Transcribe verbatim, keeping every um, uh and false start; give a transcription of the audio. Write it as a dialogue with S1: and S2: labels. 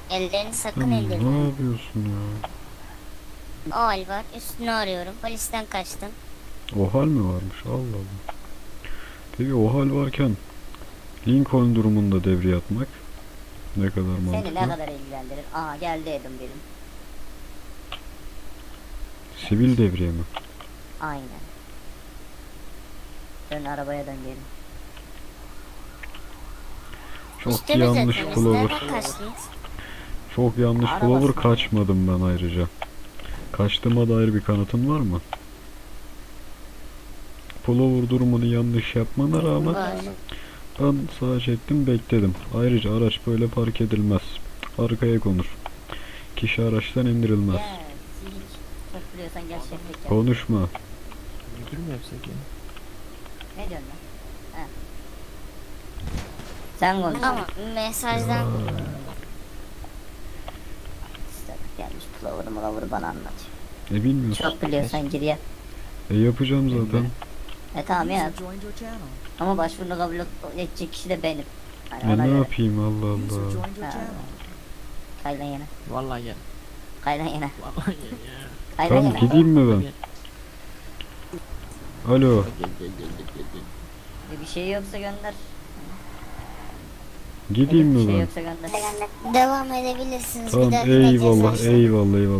S1: Ellerini sakın
S2: Sen
S1: indirme.
S2: ne yapıyorsun ya?
S1: O hal var. Üstünü arıyorum. Polisten kaçtın.
S2: O hal mi varmış? Allah Allah. Peki o hal varken Lincoln durumunda devreye atmak ne kadar
S3: Seni
S2: mantıklı?
S3: ne kadar ilgilendirir? Aha geldi Edim benim.
S2: Sivil devriye mi?
S3: Aynen. Dön arabaya dön gelin.
S2: Çok
S1: Üstümüz
S2: yanlış
S1: etmemiz.
S2: Clover.
S1: Nereden kaçtınız?
S2: Çok yanlış
S3: Arabasına
S2: Clover,
S3: bak.
S2: kaçmadım ben ayrıca. Kaçtığıma dair bir kanıtın var mı? Pullover durumunu yanlış yapmana rağmen
S1: Var.
S2: ben sağa çektim, bekledim. Ayrıca araç böyle park edilmez. Arkaya konur. Kişi araçtan indirilmez.
S3: Gel silik. Çok biliyorsan gel şeflik yap.
S2: Konuşma.
S4: Müdür mü yapsak ya?
S3: Ne diyorsun lan? He. Sen konuş.
S1: Ama mesajdan
S3: İşte gelmiş plover'ı mılavırı bana anlat.
S2: E bilmiyorsun.
S3: Çok biliyorsan gir yap.
S2: E yapacağım zaten.
S3: E tamam ya. Ama başvurunu kabul edecek kişi de benim. Hani
S2: E
S3: ona
S2: ne
S3: göre.
S2: yapayım, Allah Allah.
S3: Ha. Kaylan yine.
S4: Vallahi gel.
S3: Kaylan yine.
S4: Vallahi gel ya.
S3: Kaylan
S2: Tamam,
S3: yine.
S2: gideyim mi ben? Alo.
S4: Gel gel gel gel gel gel.
S3: Bir şey yoksa gönder.
S2: Gideyim
S3: Bir
S2: mi
S3: şey
S2: ben?
S3: yoksa gönder.
S1: devam edebilirsiniz.
S2: Tamam,
S1: bir dahakine
S2: eyvallah
S1: ceza
S2: eyvallah eyvallah.